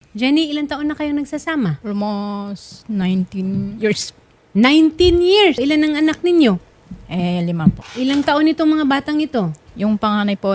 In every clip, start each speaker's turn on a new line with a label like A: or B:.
A: Jenny, ilang taon na kayong nagsasama?
B: Almost 19 years.
A: 19 years. Ilan ang anak ninyo?
B: 5 po.
A: Ilang taon itong mga batang ito?
B: Yung panganay po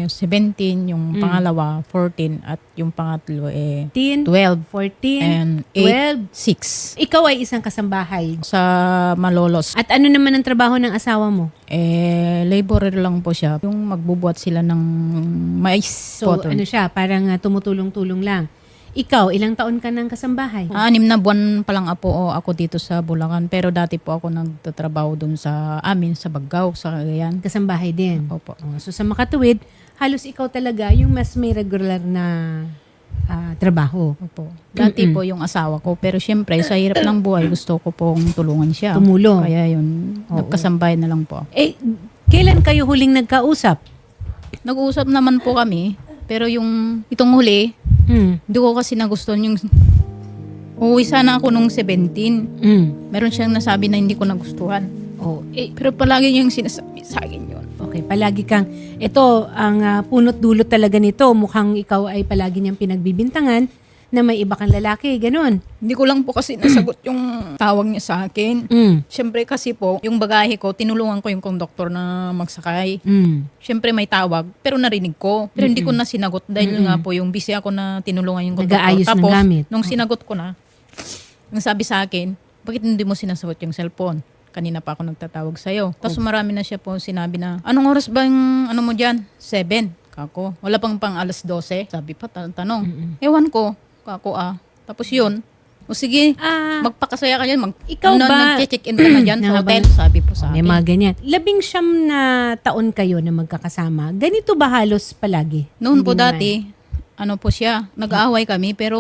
B: 17, yung pangalawa 14, at yung pangatlo
A: 10,
B: 12
A: 14,
B: and
A: 12.
B: 6
A: Ikaw ay isang kasambahay.
B: sa Malolos.
A: At ano naman ang trabaho ng asawa mo?
B: Laborer lang po siya. Yung magbubuhat sila ng mais.
A: So,
B: cotton.
A: ano siya? Parang tumutulong-tulong lang. Ikaw, ilang taon ka ng kasambahay?
B: 6 na buwan pa lang ako dito sa Bulacan. Pero dati po ako nagtatrabaho dun sa amin, sa Baggao, sa Cagayan.
A: Kasambahay din.
B: Opo.
A: So sa Makatuwid, halos ikaw talaga yung mas may regular na trabaho.
B: Opo. Dati po yung asawa ko. Pero syempre, sa hirap ng buhay, gusto ko pong tulungan siya.
A: Tumulong.
B: Kaya yun, nagkasambay na lang po ako.
A: Kailan kayo huling nagkausap?
B: Nag-uusap naman po kami. Pero itong huli, hindi ko kasi nagustuhan yung uuwi sana ako nung 17. Meron siyang nasabi na hindi ko nagustuhan. Pero palagi yung sinasabi sa akin yun.
A: Okay, palagi kang, ito ang punot dulot talaga nito, mukhang ikaw ay palagi niyang pinagbibintangan na may iba kang lalaki, ganun.
B: Hindi ko lang po kasi nasagot yung tawag niya sa akin. Siyempre kasi po, yung bagahe ko, tinulungan ko yung konduktor na magsakay. Siyempre may tawag, pero narinig ko. Pero hindi ko na sinagot dahil nga po yung busy ako na tinulungan yung konduktor.
A: Nag-aayos ng
B: Tapos,
A: gamit.
B: nung sinagot ko na, ang sabi sa akin, bakit hindi mo sinasagot yung cellphone? Kanina pa ako nagtatawag sa'yo. Tapos marami na siya po sinabi na, anong oras ba yung ano mo dyan? 7. Kako. Wala pang alas 12. Sabi pa, tanong. Ewan ko. Kako Tapos yun. O sige, magpakasaya ka dyan.
A: Ikaw ba?
B: Mag-check-in ka na dyan sa hotel. Sabi po sa
A: May
B: akin.
A: mga ganyan. 19 na taon kayo na magkakasama. Ganito ba halos palagi?
B: Noon po
A: Hindi naman.
B: dati, ano po siya, nag-aaway kami pero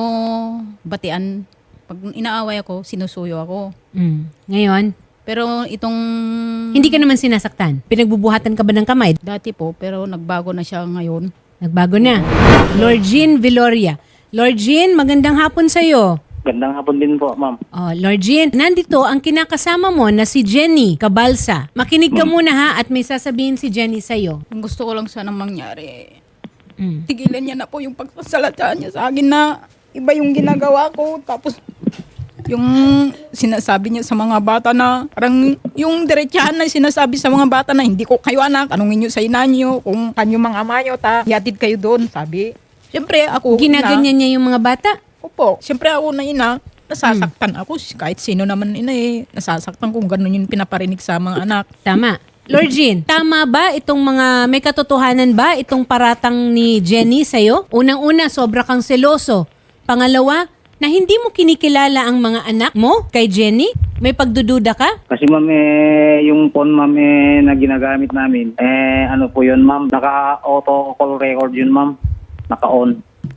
B: batian. Pag inaaway ako, sinusuyo ako.
A: Ngayon,
B: Pero itong
A: hindi ka naman sinasaktan. Pinagbubuhatan ka ba ng kamay?
B: dati po, pero nagbago na siya ngayon.
A: Nagbago na. Lord Jean Viloria. Lord Jean, magandang hapon sa'yo.
C: Gandang hapon din po, ma'am.
A: Oh, Lord Jean, nandito ang kinakasama mo na si Jenny Cabalsa. Makinig ka muna ha at may sasabihin si Jenny sa'yo.
B: Ang gusto ko lang sanang mangyari, tigilan niya na po yung pagsasalata niya sa akin na iba yung ginagawa ko. Tapos yung sinasabi niya sa mga bata na parang yung diretsahan na sinasabi sa mga bata na hindi ko kayo anak, tanungin niyo sa ina niyo kung kanyo mga ama niyo, yatid kayo doon, sabi. Siyempre ako
A: Ginaganyan niya yung mga bata?
B: Opo, siyempre ako na ina, nasasaktan ako. Kahit sino naman ina nasasaktan kung gano'n yung pinaparinig sa mga anak.
A: Tama. Lord Jean, tama ba itong may katotohanan ba itong paratang ni Jenny sa'yo? Unang-una, sobra kang seloso. Pangalawa, na hindi mo kinikilala ang mga anak mo kay Jenny? May pagdududa ka?
C: Kasi ma'am, yung phone ma'am na ginagamit namin, ano po yun ma'am, naka-auto call record yun ma'am, naka-on.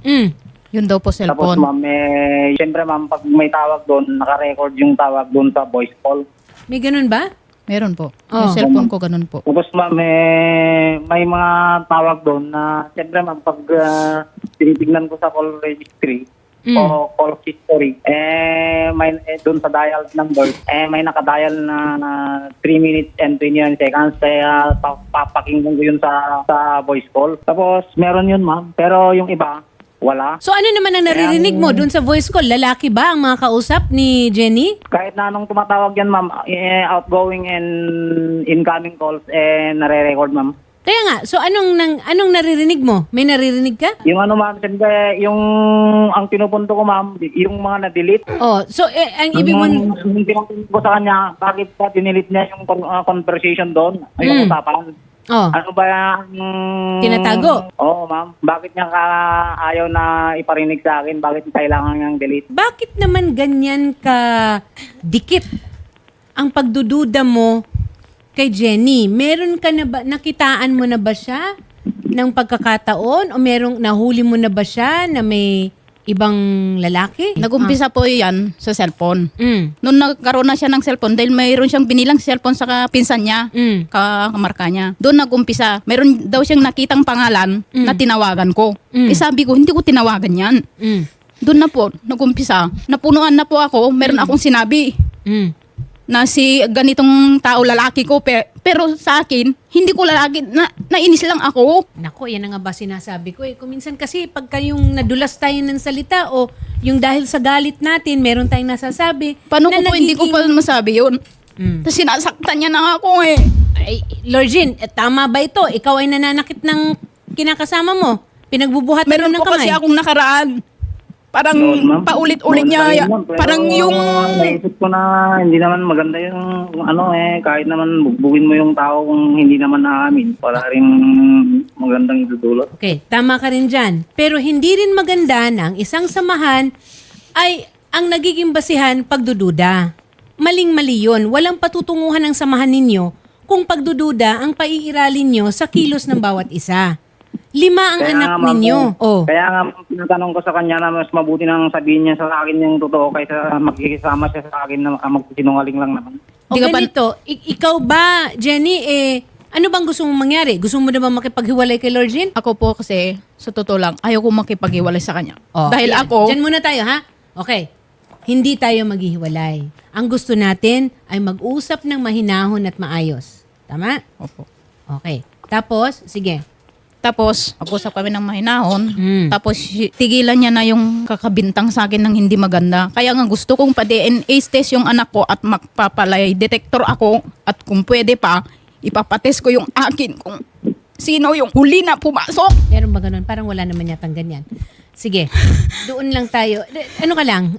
B: Yun daw po
C: Tapos
B: cellphone.
C: ma'am, siyempre ma'am, pag may tawag doon, naka-record yung tawag doon sa voice call.
A: May ganun ba?
B: Meron po.
A: Oh.
B: Yung cellphone ko ganun po.
C: Tapos ma'am, may mga tawag doon na, siyempre ma'am, pag tinitignan ko sa call registry, o call history, doon sa dial number, may nakadial na 3 minutes and 29 seconds, kaya papakinggan ko yun sa voice call. Tapos meron yun ma'am, pero yung iba, wala.
A: So ano naman ang naririnig mo dun sa voice call? Lalaki ba ang mga kausap ni Jenny?
C: Kahit na anong tumatawag yan ma'am, outgoing and incoming calls, nare-record ma'am.
A: Kaya nga, so anong naririnig mo? May naririnig ka?
C: Yung ano ma'am, siyempre, ang pinupunto ko ma'am, yung mga na-delete.
A: Oh, so ang ibig mo...
C: Yung pinupunto ko sa kanya, bakit pa dinilit niya yung conversation doon, yung usapan.
A: Oh,
C: Ano ba yung...
A: tinatago?
C: Oo ma'am, bakit niya ayaw na iparinig sa akin, bakit kailangan niyang delete?
A: Bakit naman ganyan ka dikit ang pagdududa mo kay Jenny? Meron ka na ba, nakitaan mo na ba siya ng pagkakataon? O merong nahuli mo na ba siya na may ibang lalaki?
B: Nag-umpisa po yan sa cellphone.
A: Mm.
B: Noon nagkaroon na siya ng cellphone dahil mayroon siyang binilang cellphone sa pinsan niya, kamarka niya. Doon nag-umpisa. Mayroon daw siyang nakitang pangalan na tinawagan ko. Sabi ko, hindi ko tinawagan yan. Doon na po, nag-umpisa. Napunuan na po ako, meron akong sinabi na si ganitong tao lalaki ko Pero sa akin, hindi ko lagi, nainis lang ako.
A: Nako, yan na nga ba sinasabi ko eh. Kung minsan kasi pagka yung nadulas tayo ng salita o yung dahil sa galit natin, meron tayong nasasabi.
B: Paano ko po hindi ko pa masabi yun? Tapos sinasaktan niya na nga ako eh.
A: Ay, Lorgine, tama ba ito? Ikaw ay nananakit ng kinakasama mo. Pinagbubuhat
B: Meron
A: ng
B: po
A: kamay.
B: kasi akong nakaraan. Parang
C: Noon, ma'am.
B: paulit-ulit
C: Noon pa rin,
B: niya.
C: ma'am. Pero
B: Parang yung...
C: naisip ko na hindi naman maganda yung kahit naman bugbugin mo yung tao kung hindi naman naamin. Wala rin magandang idudulot.
A: Okay, tama ka rin dyan. Pero hindi rin maganda na ang isang samahan ay ang nagiging basihan pagdududa. Maling-mali yun. Walang patutunguhan ng samahan ninyo kung pagdududa ang paiiralin nyo sa kilos ng bawat isa. 5 ang anak
C: nga, ma'am,
A: ninyo. Oh.
C: Kaya nga, tinatanong ko sa kanya na mas mabuti nang sabihin niya sa akin yung totoo kaysa magkikisama siya sa akin na magsinungaling lang naman.
A: O
B: Di ka ba-
A: ganito, ikaw ba, Jenny, ano bang gusto mong mangyari? Gusto mo na ba makipaghiwalay kay Lorgine?
B: Ako po kasi, sa totoo lang, ayaw ko makipag-iwalay sa kanya.
A: Oh,
B: Dahil
A: ayan.
B: ako,
A: Diyan muna tayo, ha? Okay. Hindi tayo maghihiwalay. Ang gusto natin ay mag-usap ng mahinahon at maayos. Tama?
B: Opo.
A: Okay. Tapos, sige.
B: Tapos, mag-usap kami ng mahinahon.
A: Mm.
B: Tapos, tigilan niya na yung kakabintang sa akin ng hindi maganda. Kaya nga gusto kong pa-DNA test yung anak ko at magpapalay detector ako. At kung pwede pa, ipapatest ko yung akin kung sino yung huli na pumasok.
A: Meron ba ganun? Parang wala naman yatang ganyan. Sige. Doon lang tayo. Ano ka lang?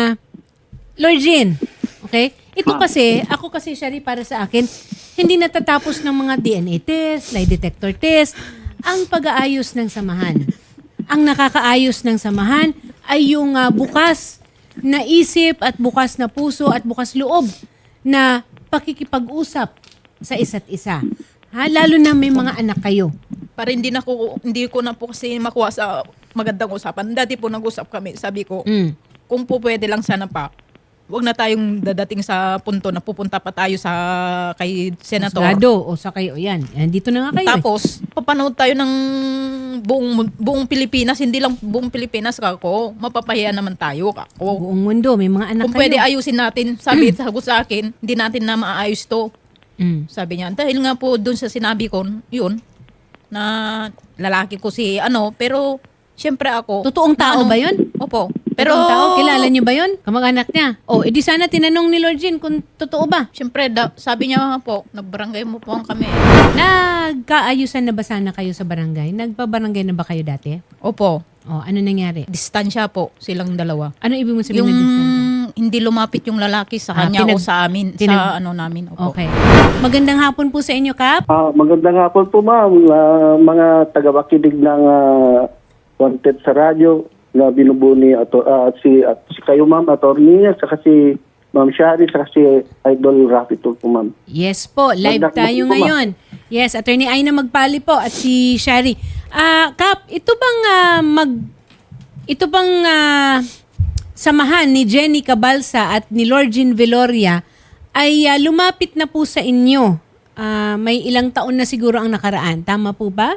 A: Lorgine. Okay? Ito kasi, ako kasi, Shari, para sa akin, hindi natatapos ng mga DNA test, lie detector test, ang pag-aayos ng samahan. Ang nakakaayos ng samahan ay yung bukas na isip at bukas na puso at bukas loob na pakikipag-usap sa isa't isa. Ha? Lalo na may mga anak kayo.
B: Para hindi ko na po kasi makuha sa magandang usapan. Dati po nag-usap kami. Sabi ko,
A: Mm.
B: kung po pwede lang sana pa, wag na tayong dadating sa punto na pupunta pa tayo sa kay Senator.
A: Masgado o sa kayo. Yan. Dito na nga kayo.
B: Tapos, papanood tayo ng buong Pilipinas, hindi lang buong Pilipinas kako. Mapapahiya naman tayo kako.
A: Buong mundo. May mga anak
B: Kung
A: kayo.
B: pwede ayusin natin, sabi sa akin, hindi natin na maayos to.
A: Mm.
B: Sabi niya, dahil nga po doon sa sinabi ko, yun, na lalaki ko si pero syempre ako.
A: Totoong tao ba yun?
B: Opo.
A: Pero,
B: Pero,
A: tao, kilala niyo ba yun? Kamag-anak niya. O, edi sana tinanong ni Lord Jean kung totoo ba?
B: syempre, sabi niya nga po, nagbarangay mo po kami.
A: Nagkaayusan na ba sana kayo sa barangay? Nagpa-barangay na ba kayo dati?
B: Opo.
A: O, ano nangyari?
B: Distansya po silang dalawa.
A: Ano ibig mo sabihin
B: Yung
A: na distansya?
B: hindi lumapit yung lalaki sa kanya o sa amin, sa namin. Opo.
A: Okay. Magandang hapon po sa inyo, Kap.
D: Magandang hapon po, ma'am. Mga tagapakinig ng Wanted sa radyo na binubuo ni si kayo, ma'am, attorney, at saka si Ma'am Shari, saka si Idol Rafi po, ma'am.
A: Yes po, live
D: Magandang
A: tayo
D: hapon po,
A: ngayon. Yes, Attorney Aina Magpali po at si Shari. Kap, ito bang samahan ni Jenny Cabalsa at ni Lord Jean Veloria ay lumapit na po sa inyo? May ilang taon na siguro ang nakaraan. Tama po ba?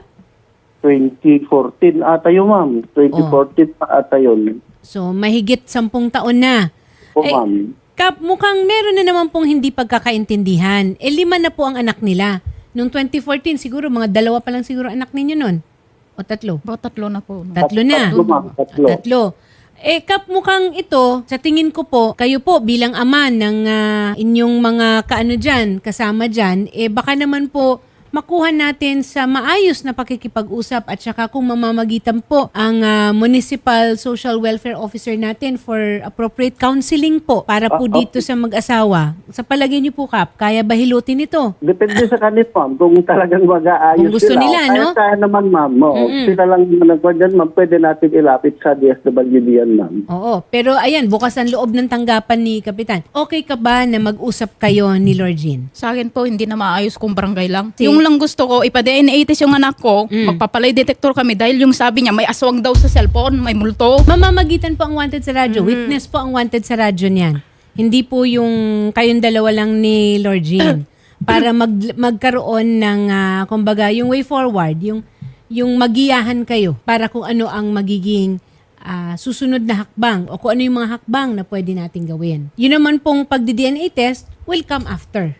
D: 2014 ata yun, ma'am. 2014 pa ata yun.
A: So, mahigit 10 taon na.
D: Po,
A: Eh,
D: ma'am.
A: Kap, mukhang meron na naman pong hindi pagkakaintindihan. 5 na po ang anak nila. Noong 2014, siguro mga 2 pa lang siguro anak ninyo nun. O 3?
B: Baka 3 na po.
A: 3 na.
D: Tatlo, ma'am. Tatlo.
A: 3. Kap, mukhang ito, sa tingin ko po, kayo po bilang ama ng inyong mga kasama dyan, baka naman po makuha natin sa maayos na pakikipag-usap at saka kung mamamagitan po ang Municipal Social Welfare Officer natin for appropriate counseling po para po dito sa mag-asawa. Sa palagay niyo po, Kap, kaya ba hilutin ito?
D: Depende sa kanila, ma'am. Kung talagang mag-aayos
A: Kung gusto
D: sila.
A: nila,
D: Kaya
A: no?
D: kaya naman, ma'am. Sila lang nagwa dyan, ma'am. Pwede natin ilapit sa DSWD yan, ma'am.
A: Oo, pero ayan, bukas ang loob ng tanggapan ni Kapitan. Okay ka ba na mag-usap kayo ni Lord Jean?
B: Sa akin po, hindi na maayos kung barangay lang. Yung lang gusto ko, ipa-DNA test yung anak ko, magpapalay detector kami dahil yung sabi niya, may aswang daw sa cellphone, may multo.
A: Mamamagitan po ang wanted sa radyo. Witness po ang wanted sa radyo niyan. Hindi po yung kayong dalawa lang ni Lord Jean. Para magkaroon ng, kumbaga, yung way forward, yung magiyahan kayo para kung ano ang magiging susunod na hakbang o kung ano yung mga hakbang na pwede nating gawin. Yun naman pong pagdi-DNA test will come after.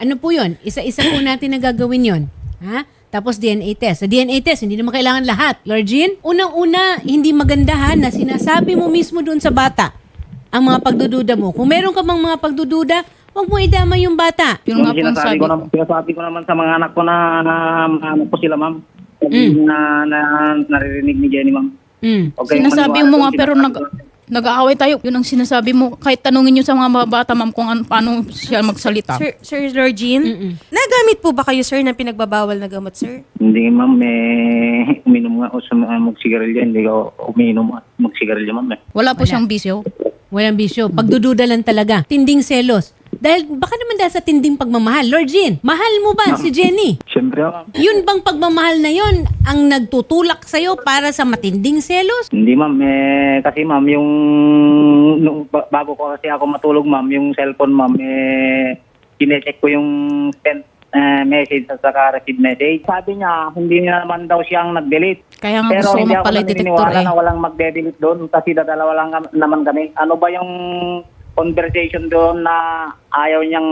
A: Ano po yun? Isa-isa po natin na gagawin yun. Ha? Tapos DNA test. Sa DNA test, hindi naman kailangan lahat. Lord Jean, unang-una, hindi magandahan na sinasabi mo mismo doon sa bata ang mga pagdududa mo. Kung meron ka bang mga pagdududa, huwag mo idama yung bata.
B: Yun nga po ang sabi ko.
C: Sinasabi ko naman sa mga anak ko na ano po sila, ma'am. Na naririnig ni Jenny, ma'am. Okay,
B: Sinasabi mo nga pero nag-aaway tayo. Yun ang sinasabi mo. Kahit tanungin nyo sa mga bata, ma'am, kung paano siya magsalita.
E: Sir Lord Jean, nagamit po ba kayo, sir, ng pinagbabawal na gamot, sir?
C: Hindi, ma'am. Uminom nga o magsigarilyo. Hindi ko uminom at magsigarilyo, ma'am.
B: Wala po siyang bisyo.
A: Walang bisyo. Pagdududa lang talaga. Tinding selos. Baka naman dahil sa tinding pagmamahal. Lord Jean, mahal mo ba si Jenny?
C: Siyempre, ma'am.
A: Yun bang pagmamahal na yun ang nagtutulak sa'yo para sa matinding selos?
C: Hindi, ma'am. Kasi, ma'am, bago ko kasi ako matulog, ma'am, yung cellphone, ma'am, kinecheck ko yung sent message at saka receive message. Sabi niya, hindi niya naman daw siyang nag-delete.
B: Kaya nga
C: Pero
B: gusto
C: hindi
B: mo
C: ako
B: pala i-detector
C: naniniwala na walang magde-delete doon kasi dadalawa lang naman kami. Ano ba yung conversation doon na ayaw niyang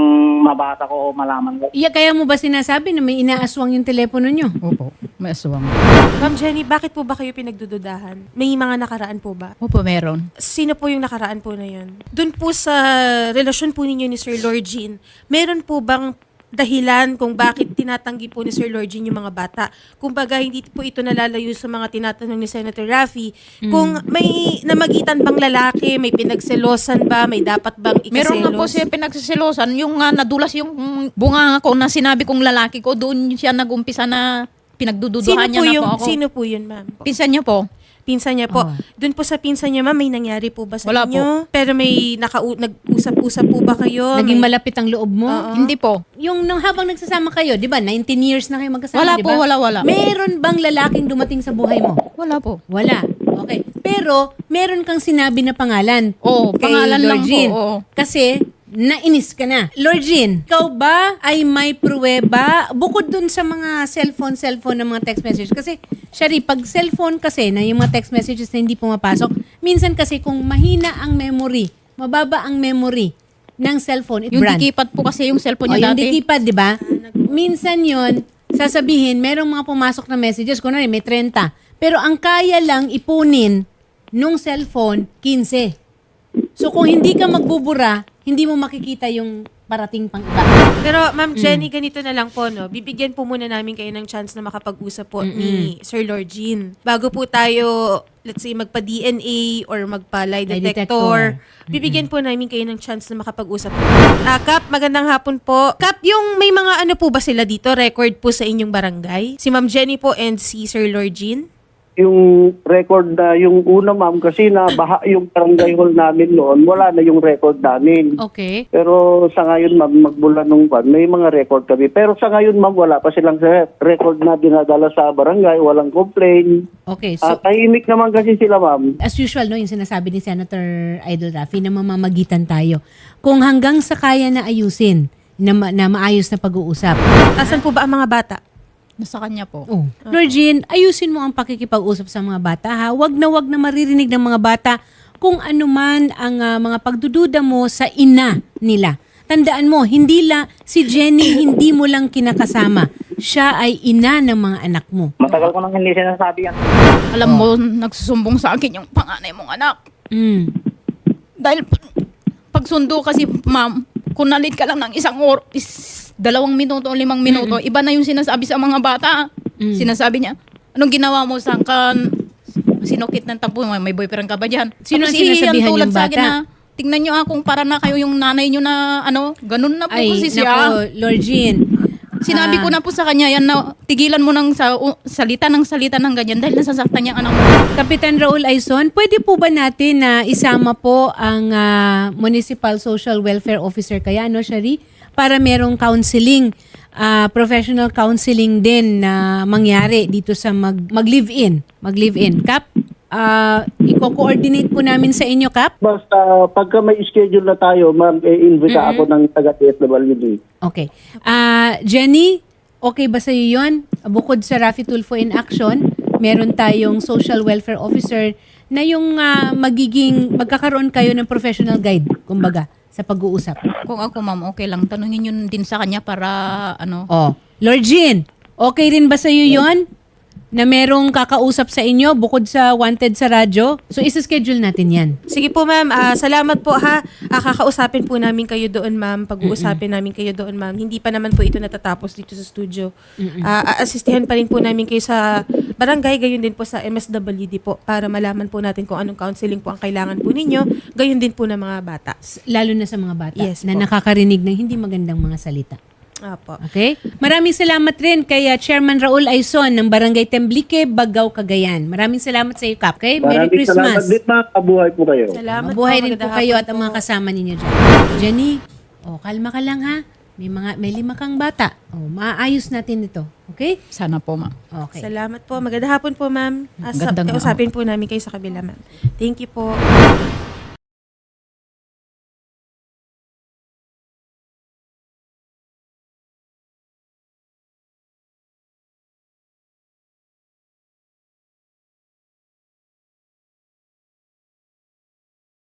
C: mabasa ko o malaman ko?
A: Kaya mo ba sinasabi na may inaaswang yung telepono nyo?
B: Opo, may aswang.
E: Ma'am Jenny, bakit po ba kayo pinagdududahan? May mga nakaraan po ba?
B: Opo, meron.
E: Sino po yung nakaraan po na yun? Doon po sa relasyon po ninyo ni Sir Lord Jean, meron po bang dahilan kung bakit tinatanggi po ni Sir Lord Jean yung mga bata? Kung baga, hindi po ito nalalayo sa mga tinatanong ni Senator Raffy. Kung may namagitan bang lalaki, may pinagselosan ba, may dapat bang ikaselos?
B: Meron nga po siya pinagsiselosan. Yung nadulas yung bunga ko na sinabi kong lalaki ko, doon siya nag-umpisa na pinagdududuhan niya na po ako.
E: Sino po yun, ma'am?
B: Pinsan niya po.
E: Pinsan niya po. Doon po sa pinsan niya, ma'am, may nangyari po ba sa
B: Wala
E: inyo? Pero may nag-usap-usap po ba kayo?
A: Naging
E: May-
A: malapit ang loob mo?
B: Hindi po.
A: Yung nang habang nagsasama kayo, di ba? 19 years na kayo magkasama,
B: Wala
A: di ba?
B: po, wala.
A: Meron bang lalaking dumating sa buhay mo?
B: Wala po.
A: Wala. Okay. Pero, meron kang sinabi na pangalan.
B: Oo,
A: kay
B: pangalan
A: Lord
B: lang po,
A: Jean.
B: oo.
A: Kasi, nainis ka na. Lord Jean, ikaw ba ay may pruweba bukod dun sa mga cellphone ng mga text messages? Kasi, Shari, pag cellphone kasi na yung mga text messages na hindi pumapasok, minsan kasi kung mahina ang memory, mababa ang memory ng cellphone,
B: Yung
A: brand.
B: dikipat po kasi yung cellphone
A: O,
B: niya
A: yung
B: dati.
A: dikipad, di ba? Minsan yon sasabihin, merong mga pumasok na messages, kunwari may 30. Pero ang kaya lang ipunin nung cellphone, 15. So kung hindi ka magbubura, hindi mo makikita yung parating pang iba.
E: Pero Ma'am Jenny, ganito na lang po, no? Bibigyan po muna namin kayo ng chance na makapag-usap po ni Sir Lord Jean. Bago po tayo, let's say, magpa-DNA or magpa-lie
A: Lie
E: detector, bibigyan po namin kayo ng chance na makapag-usap. Kap, magandang hapon po. Kap, yung may mga ano po ba sila dito, record po sa inyong barangay? Si Ma'am Jenny po and si Sir Lord Jean?
D: Yung record na yung una, ma'am, kasi nabaha yung barangay hall namin noon, wala na yung record namin.
A: Okay.
D: Pero sa ngayon, ma'am, magmula nung pan, may mga record kami. Pero sa ngayon, ma'am, wala pa silang record na dinadala sa barangay, walang complaint.
A: Okay. So,
D: Tahimik naman kasi sila, ma'am.
A: as usual, no, yung sinasabi ni Senator Idol Raffy na mamamagitan tayo. Kung hanggang sa kaya na ayusin, na maayos na pag-uusap.
E: Asan po ba ang mga bata?
B: Nasa kanya po.
A: Oh. Lord Jean, ayusin mo ang pakikipag-usap sa mga bata, ha? Wag na maririnig ng mga bata kung ano man ang mga pagdududa mo sa ina nila. Tandaan mo, si Jenny hindi mo lang kinakasama. Siya ay ina ng mga anak mo.
C: Matagal ko nang hindi sinasabi yan.
B: Alam mo, nagsusumbong sa akin yung panganay mong anak.
A: Mm.
B: Dahil pagsundo kasi, ma'am, kung nalit ka lang ng 2 minuto o 5 minuto, iba na yung sinasabi sa mga bata. Sinasabi niya, anong ginawa mo sa kan? Sinukit ng tampo, may boyfriend ka ba dyan?
A: Sino
B: Tapos
A: sinasabihan
B: tulad
A: yung
B: sa akin
A: bata?
B: na, tingnan nyo akong para na kayo yung nanay nyo na ganun na po
A: Ay,
B: kasi siya.
A: nako, Lord Jean.
B: Sinabi ko na po sa kanya yan na tigilan mo ng salita ng ganyan dahil nasasaktan niya ang anak mo.
A: Kapitan Raul Aizon, pwede po ba natin na isama po ang Municipal Social Welfare Officer kaya, no, Shari? Para merong counseling, professional counseling din na mangyari dito sa mag-live-in. Mag-live-in. Kap, i-coordinate po namin sa inyo, Kap.
D: Basta pagka may schedule na tayo, ma'am, invita ako ng taga-TSWD.
A: Okay. Jenny, okay ba sa iyo yun? Bukod sa Raffy Tulfo in Action, meron tayong social welfare officer na yung magkakaroon kayo ng professional guide kumbaga, sa pag-uusap?
B: Kung ako, ma'am, okay lang. Tanungin yun din sa kanya para, ano,
A: Oh, Lord Jean, okay rin ba sa'yo yon na merong kakausap sa inyo bukod sa wanted sa radyo? So, isa-schedule natin yan.
E: Sige po, ma'am. Salamat po, ha. Kakausapin po namin kayo doon, ma'am. Pag-uusapin namin kayo doon, ma'am. Hindi pa naman po ito natatapos dito sa studio. Aasistihan pa rin po namin kayo sa barangay, gayon din po sa MSWD po para malaman po natin kung anong counseling po ang kailangan po ninyo. Gayon din po ng mga bata.
A: Lalo na sa mga bata
E: Yes
A: na
E: po.
A: nakakarinig ng hindi magandang mga salita.
E: Apo.
A: Okay? Maraming salamat rin kay Chairman Raul Aizon ng Barangay Temblique, Bagao, Cagayan. Maraming salamat sa iyo, Kap. Okay? Merry
D: Maraming salamat
A: Christmas.
D: din, ma'am. Kabuhay po kayo.
E: Salamat
A: Mabuhay
E: po.
A: rin po
E: Magandang
A: kayo
E: hapon
A: at ang
E: po.
A: mga kasama ninyo dyan. Jenny, kalma ka lang ha. May 5 kang bata. Maayos natin ito. Okay?
B: sana po, ma'am.
A: Okay.
E: Salamat po. Magandang hapon po, ma'am.
B: Magandang
E: Kausapin po namin kayo sa kabila, ma'am. Thank you po.